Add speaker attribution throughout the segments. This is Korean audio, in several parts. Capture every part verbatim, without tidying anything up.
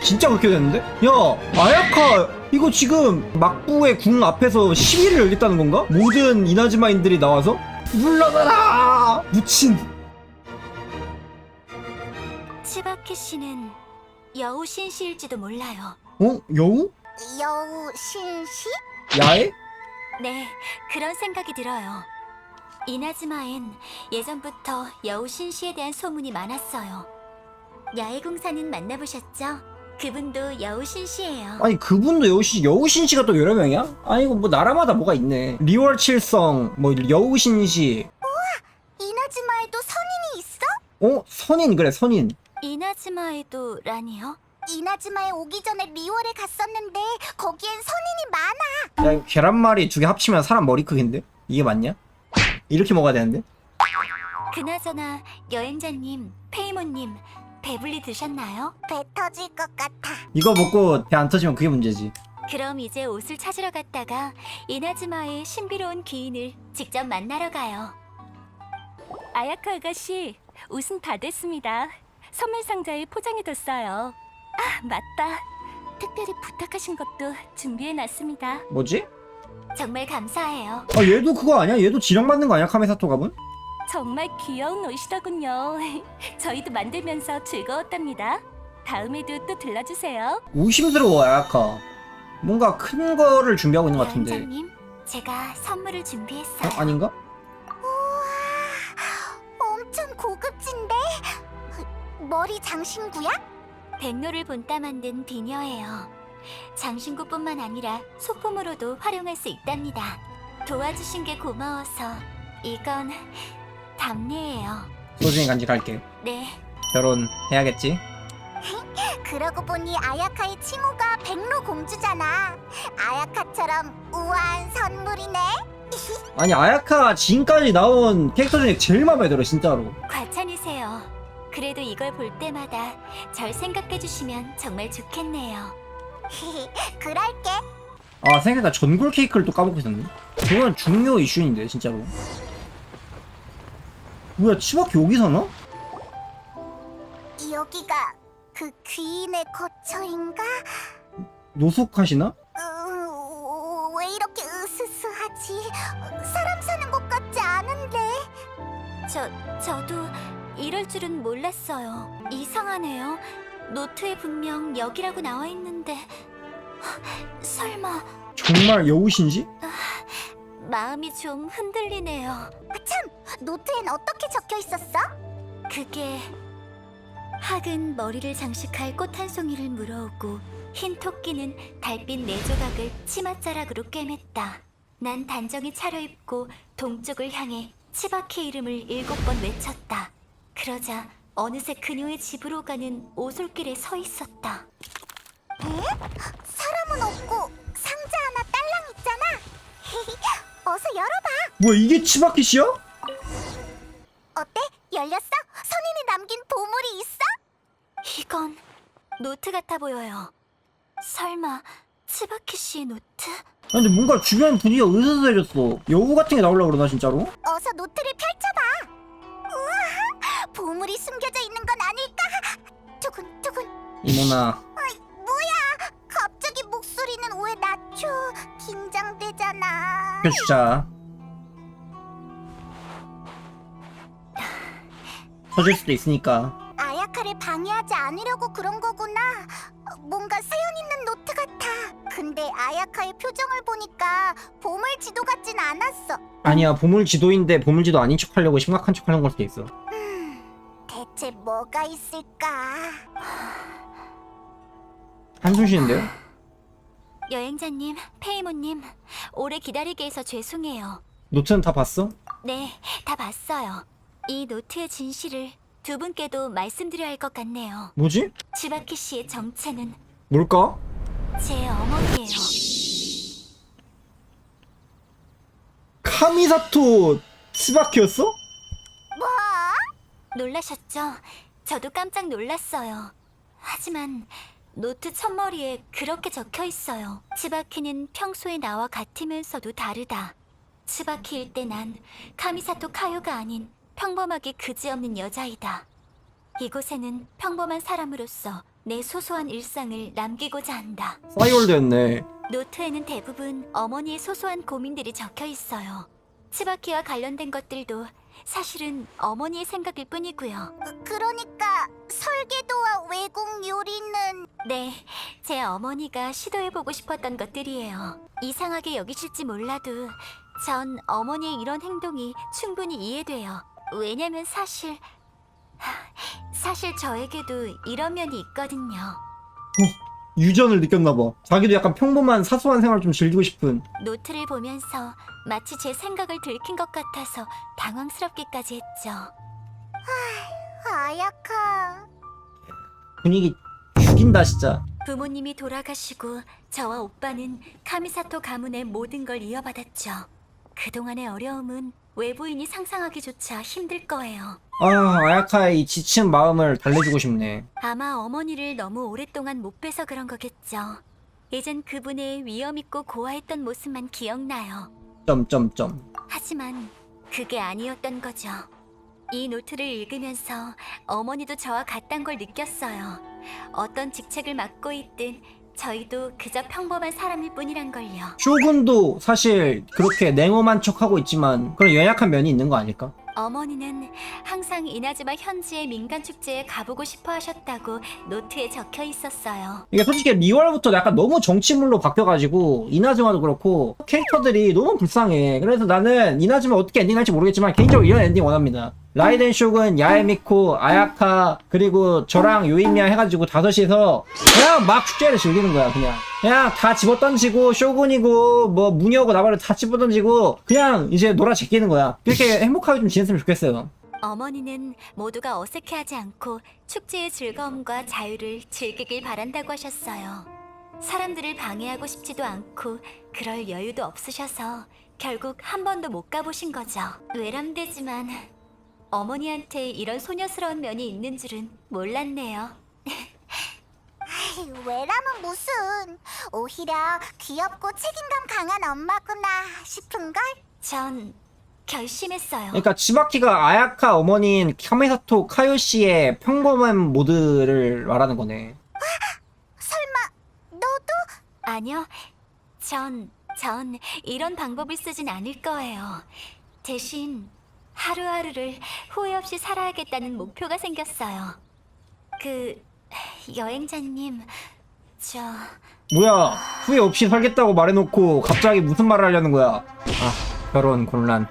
Speaker 1: 진짜 그렇게 됐는데? 야, 아야카 이거 지금 막부의 궁 앞에서 시위를 열겠다는 건가? 모든 이나즈마인들이 나와서 물러나라! 무친.
Speaker 2: 치바키 씨는 여우 신씨일지도 몰라요.
Speaker 1: 어? 여우?
Speaker 2: 여우 신씨?
Speaker 1: 야해?
Speaker 2: 네, 그런 생각이 들어요. 이나즈마엔 예전부터 여우 신씨에 대한 소문이 많았어요. 야외공사는 만나보셨죠? 그분도 여우 신씨예요.
Speaker 1: 아니 그분도 여우신 여우신씨가 또 여러 명이야? 아니 이거 뭐 나라마다 뭐가 있네. 리월 칠성, 뭐 여우신씨.
Speaker 2: 이나즈마에도 선인이 있어?
Speaker 1: 어? 선인 그래 선인.
Speaker 2: 이나즈마에도 라니요? 이나즈마에 오기 전에 리월에 갔었는데 거기엔 선인이 많아.
Speaker 1: 야 계란말이 두 개 합치면 사람 머리 크기인데? 이게 맞냐? 이렇게 먹어야 되는데?
Speaker 2: 그나저나 여행자님, 페이모님 배불리 드셨나요? 배 터질 것 같아.
Speaker 1: 이거 먹고 배 안 터지면 그게 문제지.
Speaker 2: 그럼 이제 옷을 찾으러 갔다가 이나즈마의 신비로운 귀인을 직접 만나러 가요.
Speaker 3: 아야카 아가씨, 옷은 다 됐습니다. 선물 상자에 포장해뒀어요. 아, 맞다. 특별히 부탁하신 것도 준비해놨습니다.
Speaker 1: 뭐지?
Speaker 2: 정말 감사해요.
Speaker 1: 아 얘도 그거 아니야? 얘도 지령받는 거 아니야? 카메사토 가분?
Speaker 3: 정말 귀여운 옷이더군요. 저희도 만들면서 즐거웠답니다. 다음에도 또 들러주세요.
Speaker 1: 의심스러워 아야카. 뭔가 큰 거를 준비하고 있는 것 같은데.
Speaker 2: 여행자님, 제가 선물을 준비했어요.
Speaker 1: 어? 아닌가?
Speaker 2: 우와, 엄청 고급진데? 머리 장신구야? 백로를 본따 만든 비녀예요. 장신구뿐만 아니라 소품으로도 활용할 수 있답니다. 도와주신 게 고마워서 이건 답례예요.
Speaker 1: 소중히 간직할게.
Speaker 2: 네.
Speaker 1: 결혼해야겠지?
Speaker 2: 그러고 보니 아야카의 칭호가 백로 공주잖아. 아야카처럼 우아한 선물이네.
Speaker 1: 아니 아야카 지금까지 나온 캐릭터 중에 제일 마음에 들어 진짜로.
Speaker 2: 과찬이세요. 그래도 이걸 볼 때마다 절 생각해 주시면 정말 좋겠네요. 그럴게.
Speaker 1: 아 생각보다 전골 케이크를 또 까먹고 있었네. 그건 중요 이슈인데 진짜로. 뭐야 치바키 여기 사나?
Speaker 2: 여기가 그 귀인의 거처인가?
Speaker 1: 노숙하시나?
Speaker 2: 으, 왜 이렇게 으스스하지? 사람 사는 곳 같지 않은데. 저 저도 이럴 줄은 몰랐어요. 이상하네요. 노트에 분명 여기라고 나와 있는데 설마.
Speaker 1: 정말 여우신지?
Speaker 2: 마음이 좀 흔들리네요. 아, 참! 노트엔 어떻게 적혀 있었어? 그게 학은 머리를 장식할 꽃 한 송이를 물어오고 흰 토끼는 달빛 네 조각을 치맛자락으로 꿰맸다. 난 단정히 차려입고 동쪽을 향해 치바키 이름을 일곱 번 외쳤다. 그러자 어느새 그녀의 집으로 가는 오솔길에 서 있었다. 에? 사람은 없고 상자 하나 딸랑 있잖아. 어서 열어봐.
Speaker 1: 뭐야 이게 치바키 씨야?
Speaker 2: 어때? 열렸어? 선인이 남긴 보물이 있어? 이건 노트 같아 보여요. 설마 치바키 씨의 노트?
Speaker 1: 아니, 근데 뭔가 주변 분위기가 으스스해졌어. 여우 같은 게 나오려고 그러나 진짜로?
Speaker 2: 어서 노트를 펼쳐봐. 우와, 보물이 숨겨져 있는 건 아닐까? 두근두근.
Speaker 1: 이모나
Speaker 2: 아이, 뭐야? 갑자기 목소리는 왜 낮춰? 긴장되잖아.
Speaker 1: 펴주자. 터질 수도 있으니까.
Speaker 2: 아야카를 방해하지 않으려고 그런 거구나. 뭔가 사연 있는 노트 같아. 근데 아야카의 표정을 보니까 보물 지도 같진 않았어.
Speaker 1: 아니야 보물 지도인데 보물 지도 아닌 척 하려고 심각한 척 하는 걸 수도 있어.
Speaker 2: 음, 대체 뭐가 있을까?
Speaker 1: 한숨 쉬는데요?
Speaker 2: 여행자님, 페이모님, 오래 기다리게 해서 죄송해요.
Speaker 1: 노트는 다 봤어?
Speaker 2: 네, 다 봤어요. 이 노트의 진실을 두 분께도 말씀드려야 할 것 같네요.
Speaker 1: 뭐지?
Speaker 2: 치바키 씨의 정체는
Speaker 1: 뭘까?
Speaker 2: 제 어머니예요.
Speaker 1: 카미사토 스바키였어?
Speaker 2: 뭐? 놀라셨죠? 저도 깜짝 놀랐어요. 하지만 노트 첫머리에 그렇게 적혀 있어요. 치바키는 평소에 나와 같으면서도 다르다. 치바키일 때 난 카미사토 카요가 아닌 평범하게 그지없는 여자이다. 이곳에는 평범한 사람으로서 내 소소한 일상을 남기고자 한다.
Speaker 1: 싸이월드였네.
Speaker 2: 노트에는 대부분 어머니의 소소한 고민들이 적혀 있어요. 치바키와 관련된 것들도 사실은 어머니의 생각일 뿐이고요. 그러니까 설계도와 외국 요리는... 네, 제 어머니가 시도해보고 싶었던 것들이에요. 이상하게 여기실지 몰라도 전 어머니의 이런 행동이 충분히 이해돼요. 왜냐면 사실... 하, 사실 저에게도 이런 면이 있거든요.
Speaker 1: 유전을 느꼈나봐. 자기도 약간 평범한 사소한 생활을 좀 즐기고 싶은.
Speaker 2: 노트를 보면서 마치 제 생각을 들킨 것 같아서 당황스럽기까지 했죠. 하, 아야카.
Speaker 1: 분위기 죽인다 진짜.
Speaker 2: 부모님이 돌아가시고 저와 오빠는 카미사토 가문의 모든 걸 이어받았죠. 그동안의 어려움은 외부인이 상상하기조차 힘들 거예요.
Speaker 1: 아, 아야카의 이 지친 마음을 달래주고 싶네.
Speaker 2: 아마 어머니를 너무 오랫동안 못 뵈서 그런 거겠죠. 예전 그분의 위험있고 고아했던 모습만 기억나요.
Speaker 1: 점점점.
Speaker 2: 하지만 그게 아니었던 거죠. 이 노트를 읽으면서 어머니도 저와 같단 걸 느꼈어요. 어떤 직책을 맡고 있든 저희도 그저 평범한 사람일 뿐이란 걸요.
Speaker 1: 쇼군도 사실 그렇게 냉엄한 척하고 있지만 그런 연약한 면이 있는 거 아닐까?
Speaker 2: 어머니는 항상 이나즈마 현지의 민간 축제에 가보고 싶어 하셨다고 노트에 적혀 있었어요.
Speaker 1: 이게 솔직히 리월부터 약간 너무 정치물로 바뀌어가지고 이나즈마도 그렇고 캐릭터들이 너무 불쌍해. 그래서 나는 이나즈마 어떻게 엔딩 할지 모르겠지만 개인적으로 이런 엔딩 원합니다. 라이덴 쇼군, 야에미코, 아야카 그리고 저랑 요인미야 해가지고 다섯이서 그냥 막 축제를 즐기는 거야. 그냥 그냥 다 집어던지고 쇼군이고 뭐 무녀고 나발을 다 집어던지고 그냥 이제 놀아 제끼는 거야. 그렇게 행복하게 좀 지냈으면 좋겠어요.
Speaker 2: 어머니는 모두가 어색해하지 않고 축제의 즐거움과 자유를 즐기길 바란다고 하셨어요. 사람들을 방해하고 싶지도 않고 그럴 여유도 없으셔서 결국 한 번도 못 가보신 거죠. 외람되지만 어머니한테 이런 소녀스러운 면이 있는 줄은 몰랐네요.
Speaker 4: 외람은 무슨, 오히려 귀엽고 책임감 강한 엄마구나 싶은걸?
Speaker 2: 전 결심했어요.
Speaker 1: 그러니까 치바키가 아야카 어머니인 카메사토 카요시의 평범한 모드를 말하는 거네.
Speaker 4: 설마 너도?
Speaker 2: 아니요. 전, 전 이런 방법을 쓰진 않을 거예요. 대신 하루하루를 후회 없이 살아야겠다는 목표가 생겼어요. 그, 여행자님, 저...
Speaker 1: 뭐야, 후회 없이 살겠다고 말해놓고 갑자기 무슨 말을 하려는 거야? 아, 결혼 곤란.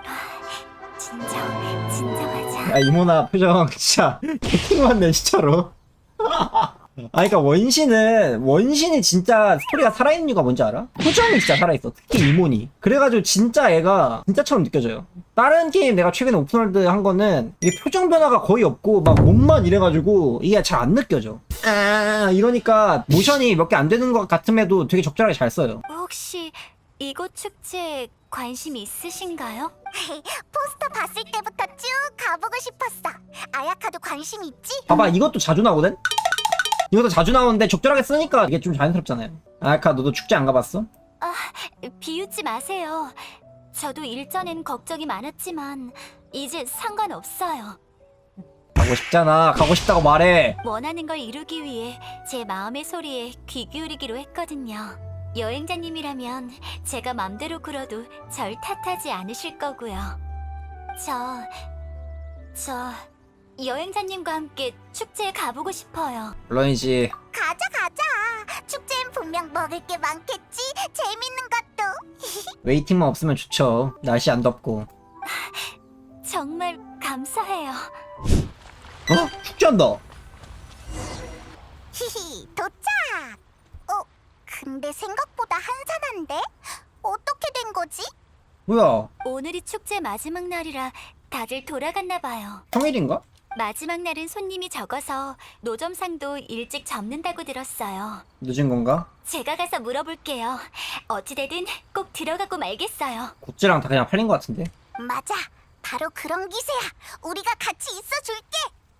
Speaker 2: 진정, 진정하자.
Speaker 1: 아, 이모나 표정 진짜 개킹맞네 진짜로. 아, 그러니까 원신은 원신이 진짜 스토리가 살아있는 이유가 뭔지 알아? 표정이 진짜 살아있어. 특히 이모니. 그래가지고 진짜 애가 진짜처럼 느껴져요. 다른 게임 내가 최근에 오픈월드 한 거는 이게 표정 변화가 거의 없고 막 몸만 이래가지고 이게 잘 안 느껴져. 아, 이러니까 모션이 몇 개 안 되는 것 같음에도 되게 적절하게 잘 써요.
Speaker 2: 혹시 이곳 축제에 관심 있으신가요?
Speaker 4: 포스터 봤을 때부터 쭉 가보고 싶었어. 아야카도 관심 있지?
Speaker 1: 봐봐, 이것도 자주 나오거든? 이것도 자주 나오는데 적절하게 쓰니까 이게 좀 자연스럽잖아요. 아야카 너도 축제 안 가봤어?
Speaker 2: 아, 비웃지 마세요. 저도 일전엔 걱정이 많았지만 이제 상관없어요.
Speaker 1: 가고 싶잖아. 가고 싶다고 말해.
Speaker 2: 원하는 걸 이루기 위해 제 마음의 소리에 귀 기울이기로 했거든요. 여행자님이라면 제가 맘대로 굴어도 절 탓하지 않으실 거고요. 저... 저... 여행자님과 함께 축제에 가보고 싶어요.
Speaker 1: 물론이지.
Speaker 4: 가자 가자. 축제엔 분명 먹을 게 많겠지. 재밌는 것도.
Speaker 1: 웨이팅만 없으면 좋죠. 날씨 안 덥고.
Speaker 2: 정말 감사해요.
Speaker 1: 어? 축제한다.
Speaker 4: 히히, 도착. 어, 근데 생각보다 한산한데? 어떻게 된 거지?
Speaker 1: 뭐야?
Speaker 2: 오늘이 축제 마지막 날이라 다들 돌아갔나 봐요.
Speaker 1: 평일인가?
Speaker 2: 마지막 날은 손님이 적어서 노점상도 일찍 접는다고 들었어요.
Speaker 1: 늦은 건가?
Speaker 2: 제가 가서 물어볼게요. 어찌되든 꼭 들어가고 말겠어요.
Speaker 1: 고찌랑 다 그냥 팔린 것 같은데.
Speaker 4: 맞아. 바로 그런 기세야. 우리가 같이 있어줄게.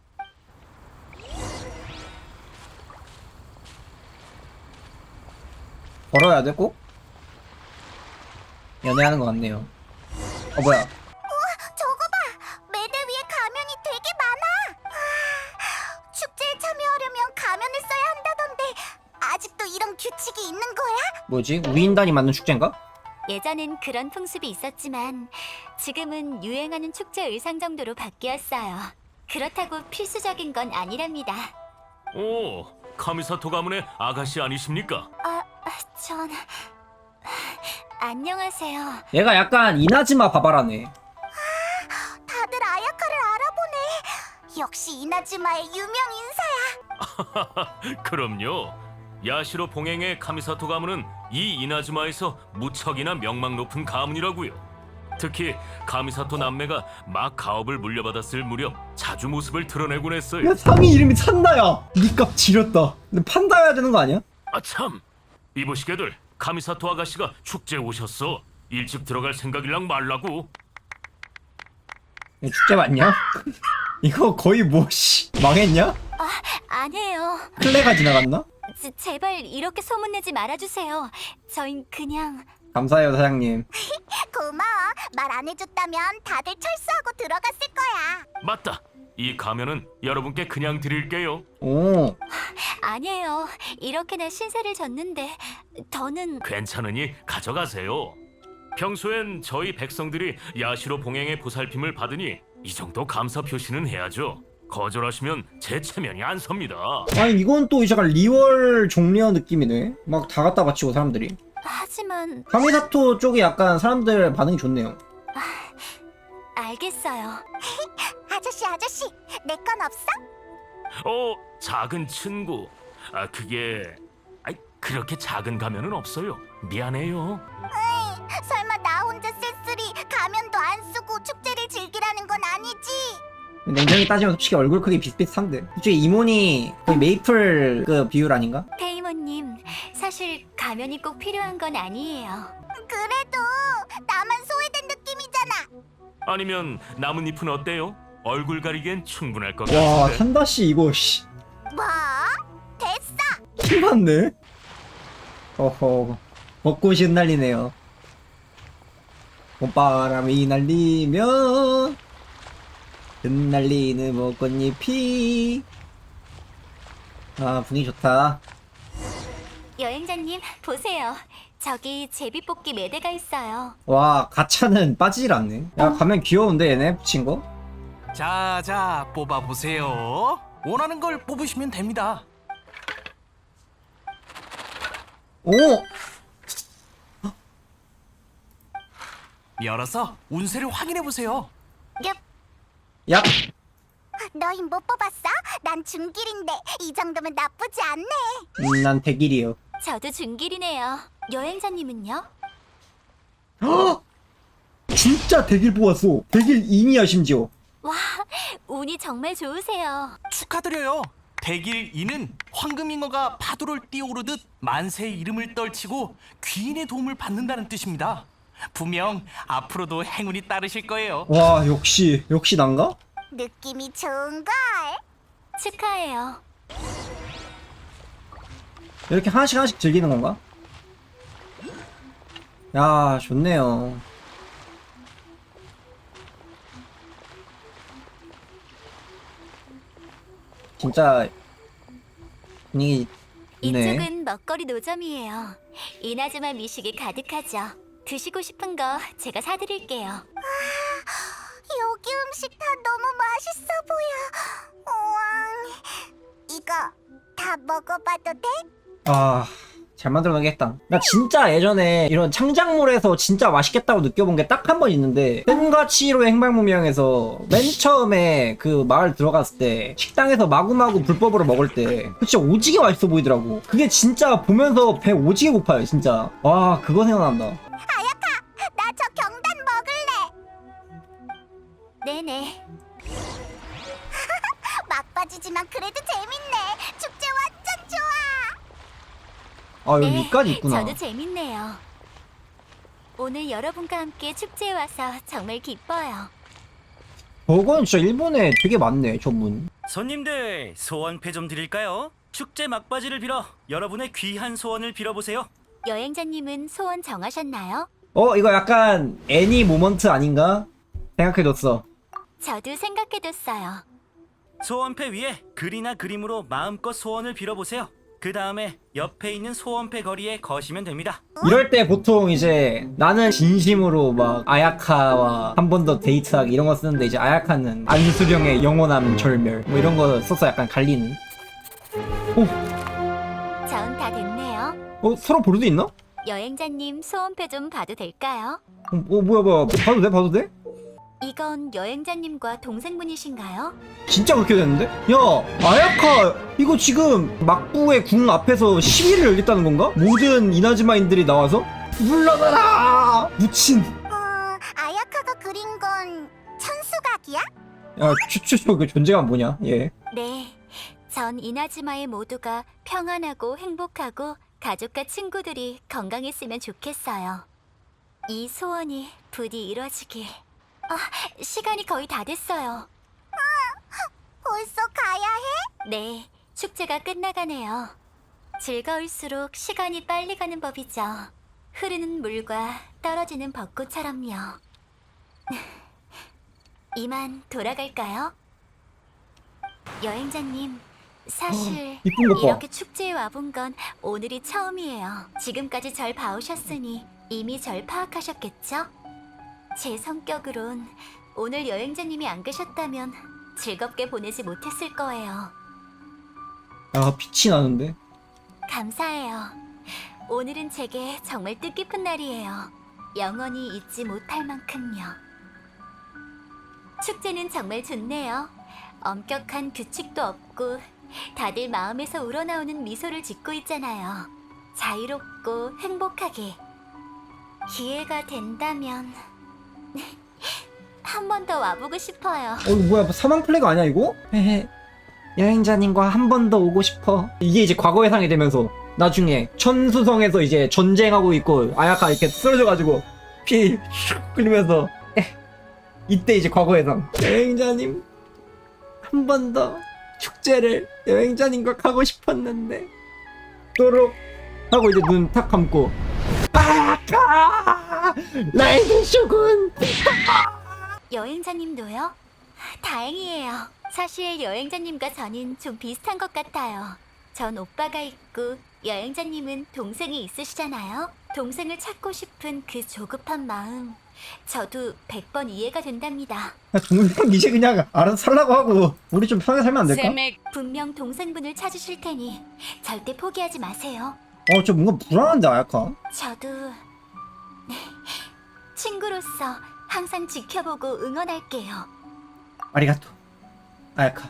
Speaker 1: 걸어야 돼 꼭? 연애하는 것 같네요. 어 뭐야?
Speaker 4: 저거 봐. 매대 위에 가면이 되게 많아. 아, 축제에 참여하려면 가면을 규칙이 있는 거야?
Speaker 1: 뭐지? 우인단이 만든 축제인가?
Speaker 3: 예전엔 그런 풍습이 있었지만 지금은 유행하는 축제 의상 정도로 바뀌었어요. 그렇다고 필수적인 건 아니랍니다.
Speaker 5: 오, 카미사토 가문의 아가씨 아니십니까?
Speaker 3: 아, 전... 안녕하세요.
Speaker 1: 얘가 약간 이나즈마 바바라네.
Speaker 4: 다들 아야카를 알아보네. 역시 이나즈마의 유명 인사야.
Speaker 5: 그럼요. 야시로 봉행의 카미사토 가문은 이 이나즈마에서 무척이나 명망 높은 가문이라고요. 특히 카미사토 남매가 막 가업을 물려받았을 무렵 자주 모습을 드러내곤 했어요.
Speaker 1: 야, 상이 이름이 찬다야. 니값 지렸다. 근데 판다야 되는 거 아니야?
Speaker 5: 아참, 이보시게들 카미사토 아가씨가 축제에 오셨어. 일찍 들어갈 생각이랑 말라고.
Speaker 1: 이거 축제 맞냐? 이거 거의 뭐 씨, 망했냐?
Speaker 3: 아니에요.
Speaker 1: 클레가 지나갔나?
Speaker 3: 제, 제발 이렇게 소문내지 말아주세요. 저흰 그냥...
Speaker 1: 감사해요 사장님.
Speaker 4: 고마워. 말 안 해줬다면 다들 철수하고 들어갔을 거야.
Speaker 5: 맞다. 이 가면은 여러분께 그냥 드릴게요.
Speaker 1: 오,
Speaker 3: 아니에요. 이렇게나 신세를 졌는데 더는...
Speaker 5: 괜찮으니 가져가세요. 평소엔 저희 백성들이 야시로 봉행의 보살핌을 받으니 이 정도 감사 표시는 해야죠. 거절하시면 제 체면이 안 섭니다.
Speaker 1: 아니 이건 또 약간 리월 종려 느낌이네. 막 다 갖다 바치고 사람들이.
Speaker 3: 하지만...
Speaker 1: 카미사토 쪽이 약간 사람들 반응이 좋네요.
Speaker 3: 알겠어요.
Speaker 4: 아저씨 아저씨 내 건 없어?
Speaker 5: 어, 작은 친구. 아, 그게... 아이, 그렇게 작은 가면은 없어요. 미안해요.
Speaker 4: 설마 나 혼자 쓸쓸히 가면도 안 쓰고 축제를 즐기라는 건 아니지?
Speaker 1: 냉정히 따지면 솔직히 얼굴 크기 비슷비슷한데. 솔직히 이모니 거의 메이플 그 비율 아닌가?
Speaker 3: 페이모님, 사실 가면이 꼭 필요한 건 아니에요.
Speaker 4: 그래도 나만 소외된 느낌이잖아.
Speaker 5: 아니면 나뭇잎은 어때요? 얼굴 가리기엔 충분할 것
Speaker 1: 와
Speaker 5: 같은데.
Speaker 1: 산다씨 이거 씨
Speaker 4: 뭐? 됐어.
Speaker 1: 힘받네. 어허 벚꽃이 흩날리네요. 봄바람이 날리면 흩날리는 벚꽃잎이. 아 분위기 좋다.
Speaker 3: 여행자님, 보세요. 저기 제비뽑기 매대가 있어요.
Speaker 1: 와 가차는 빠지질 않네. 야 가면 귀여운데 얘네 붙인 거?
Speaker 6: 자, 자, 뽑아보세요. 원하는 걸 뽑으시면 됩니다.
Speaker 1: 오!
Speaker 6: 열어서 운세를 확인해보세요.
Speaker 4: 얍.
Speaker 1: 야!
Speaker 4: 너희 못 뽑았어? 난 중길인데 이 정도면 나쁘지 않네.
Speaker 1: 음, 난 백일이요.
Speaker 3: 저도 중길이네요. 여행자님은요?
Speaker 1: 헉! 진짜 백일 뽑았어. 백일 인이야 심지어.
Speaker 3: 와, 운이 정말 좋으세요.
Speaker 6: 축하드려요. 백일 이는 황금잉어가 파도를 뛰어오르듯 만세의 이름을 떨치고 귀인의 도움을 받는다는 뜻입니다. 분명 앞으로도 행운이 따르실 거예요.
Speaker 1: 와 역시 역시 난가?
Speaker 4: 느낌이 좋은걸.
Speaker 3: 축하해요.
Speaker 1: 이렇게 하나씩 하나씩 즐기는 건가? 야 좋네요. 진짜 분위기 있네.
Speaker 3: 이쪽은 먹거리 노점이에요. 이나즈마 미식이 가득하죠. 드시고 싶은 거 제가 사드릴게요.
Speaker 4: 여기 음식 다 너무 맛있어 보여. 우왕. 이거 다 먹어봐도 돼?
Speaker 1: 아, 잘 만들어내겠다. 나 진짜 예전에 이런 창작물에서 진짜 맛있겠다고 느껴본 게 딱 한 번 있는데, 팬과 치히로의 행방무명에서 맨 처음에 그 마을 들어갔을 때 식당에서 마구마구 불법으로 먹을 때 그거 진짜 오지게 맛있어 보이더라고. 그게 진짜 보면서 배 오지게 고파요 진짜. 와 그거 생각난다.
Speaker 4: 나 저 경단 먹을래.
Speaker 3: 네네.
Speaker 4: 막바지지만 그래도 재밌네. 축제 완전 좋아.
Speaker 1: 아 여기
Speaker 3: 네,
Speaker 1: 위까지 있구나.
Speaker 3: 저도 재밌네요. 오늘 여러분과 함께 축제에 와서 정말 기뻐요.
Speaker 1: 저건 진짜 일본에 되게 많네 저 문.
Speaker 7: 손님들 소원패 좀 드릴까요? 축제 막바지를 빌어 여러분의 귀한 소원을 빌어보세요.
Speaker 3: 여행자님은 소원 정하셨나요?
Speaker 1: 어 이거 약간 애니 모먼트 아닌가? 생각해뒀어.
Speaker 3: 저도 생각해뒀어요.
Speaker 7: 소원패 위에 글이나 그림으로 마음껏 소원을 빌어보세요. 그 다음에 옆에 있는 소원패 거리에 거시면 됩니다.
Speaker 1: 이럴 때 보통 이제 나는 진심으로 막 아야카와 한 번 더 데이트하기 이런 거 쓰는데 이제 아야카는 안수령의 영원함 절멸 뭐 이런 거 써서 약간 갈리는.
Speaker 3: 전 다 됐네요.
Speaker 1: 어 서로 볼 수 있나?
Speaker 3: 여행자님 소원패 좀 봐도 될까요?
Speaker 1: 어, 어 뭐야 뭐야 봐도 돼 봐도 돼?
Speaker 3: 이건 여행자님과 동생분이신가요?
Speaker 1: 진짜 그렇게 됐는데? 야 아야카 이거 지금 막부의 궁 앞에서 시위를 열겠다는 건가? 모든 이나즈마인들이 나와서 물러나라 무친.
Speaker 4: 어, 아야카가 그린 건 천수각이야?
Speaker 1: 야 추추추 그 존재감 뭐냐 얘.
Speaker 3: 네. 전 이나즈마의 모두가 평안하고 행복하고 가족과 친구들이 건강했으면 좋겠어요. 이 소원이 부디 이루어지길. 아, 시간이 거의 다 됐어요.
Speaker 4: 벌써 가야 해?
Speaker 3: 네, 축제가 끝나가네요. 즐거울수록 시간이 빨리 가는 법이죠. 흐르는 물과 떨어지는 벚꽃처럼요. 이만 돌아갈까요? 여행자님, 사실
Speaker 1: 이쁜 것 봐.
Speaker 3: 이렇게 축제에 와본 건 오늘이 처음이에요. 지금까지 절 봐오셨으니 이미 절 파악하셨겠죠? 제 성격으론 오늘 여행자님이 안 계셨다면 즐겁게 보내지 못했을 거예요.
Speaker 1: 야 빛이 나는데.
Speaker 3: 감사해요. 오늘은 제게 정말 뜻깊은 날이에요. 영원히 잊지 못할 만큼요. 축제는 정말 좋네요. 엄격한 규칙도 없고 다들 마음에서 우러나오는 미소를 짓고 있잖아요. 자유롭고 행복하게. 기회가 된다면 한 번 더 와보고 싶어요.
Speaker 1: 어 이거 뭐야 뭐 사망 플래그 아니야 이거? 헤헤 여행자님과 한 번 더 오고 싶어. 이게 이제 과거 예상이 되면서 나중에 천수성에서 이제 전쟁하고 있고 아야카 이렇게 쓰러져가지고 피 슉 흘리면서 에, 이때 이제 과거 예상 여행자님 한 번 더 축제를 여행자님과 가고 싶었는데 또록 하고 이제 눈 탁 감고 아야카 라이든 쇼군.
Speaker 3: 여행자님도요? 다행이에요. 사실 여행자님과 저는 좀 비슷한 것 같아요. 전 오빠가 있고 여행자님은 동생이 있으시잖아요. 동생을 찾고 싶은 그 조급한 마음, 저도 백 번 이해가 된답니다.
Speaker 1: 야, 동생 이제 그냥 알아서 살라고 하고 우리 좀 편하게 살면 안 될까?
Speaker 3: 분명 동생분을 찾으실 테니 절대 포기하지 마세요.
Speaker 1: 어 저 뭔가 불안한데 아야카.
Speaker 3: 저도 친구로서 항상 지켜보고 응원할게요.
Speaker 1: 아리가또 아야카.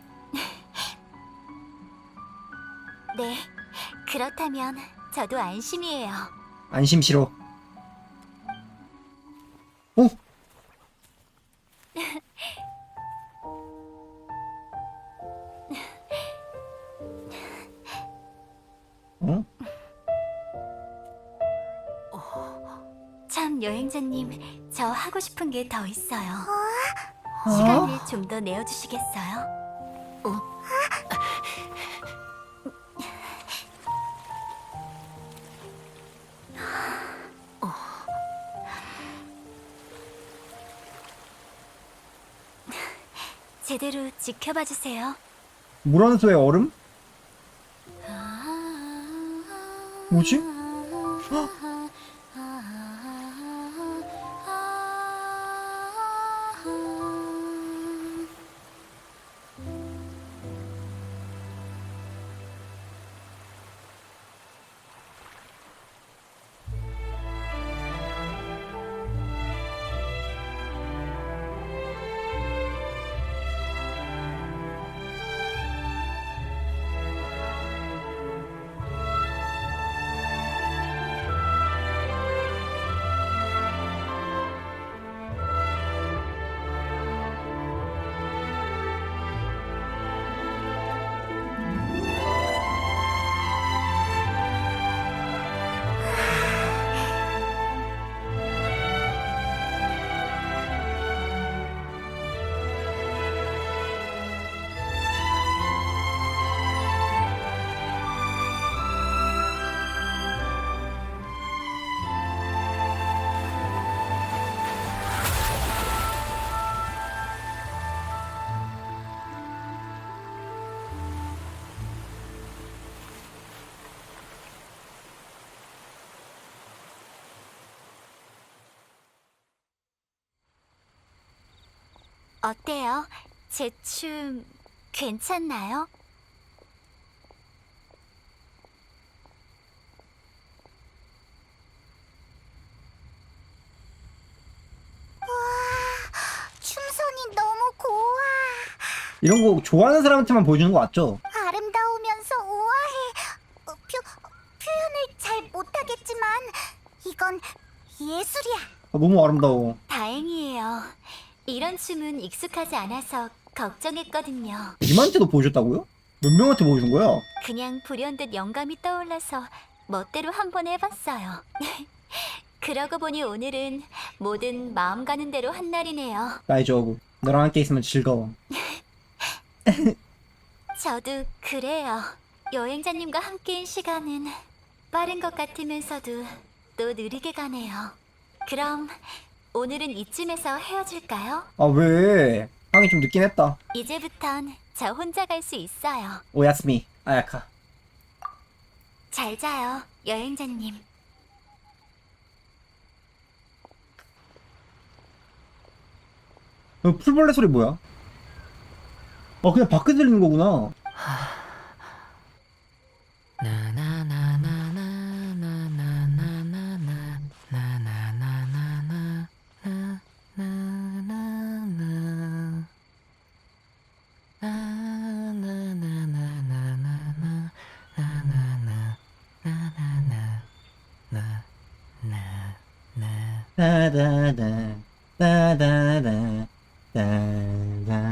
Speaker 3: 네, 그렇다면 저도 안심이에요.
Speaker 1: 안심 싫어. 어? 어?
Speaker 3: 참 여행자님, 저 하고 싶은 게 더 있어요. 시간을 좀 더 내어주시겠어요? 제대로 지켜봐 주세요.
Speaker 1: 물원소의 얼음? 뭐지?
Speaker 3: 어때요? 제 춤 괜찮나요?
Speaker 4: 춤선이 너무 고와.
Speaker 1: 이런 거 좋아하는 사람한테만 보여주는 거 맞죠?
Speaker 4: 아름다우면서 우아해. 어, 표, 표현을 잘 못하겠지만 이건 예술이야.
Speaker 1: 아, 너무 아름다워.
Speaker 3: 다행이에요. 이런 춤은 익숙하지 않아서 걱정했거든요.
Speaker 1: 님한테도 보여줬다고요? 몇 명한테 보여준 거야?
Speaker 3: 그냥 불현듯 영감이 떠올라서 멋대로 한번 해봤어요. 그러고 보니 오늘은 뭐든 마음 가는 대로 한 날이네요.
Speaker 1: 나의 저브. 너랑 함께 있으면 즐거워.
Speaker 3: 저도 그래요. 여행자님과 함께인 시간은 빠른 것 같으면서도 또 느리게 가네요. 그럼 오늘은 이쯤에서 헤어질까요?
Speaker 1: 아, 왜? 하긴 좀 늦긴 했다.
Speaker 3: 이제부턴 저 혼자 갈 수 있어요.
Speaker 1: 오야스미, 아야카.
Speaker 3: 잘 자요, 여행자님.
Speaker 1: 어, 풀벌레 소리 뭐야? 어, 그냥 밖에 들리는 거구나. 따다다, 따다다, 따다.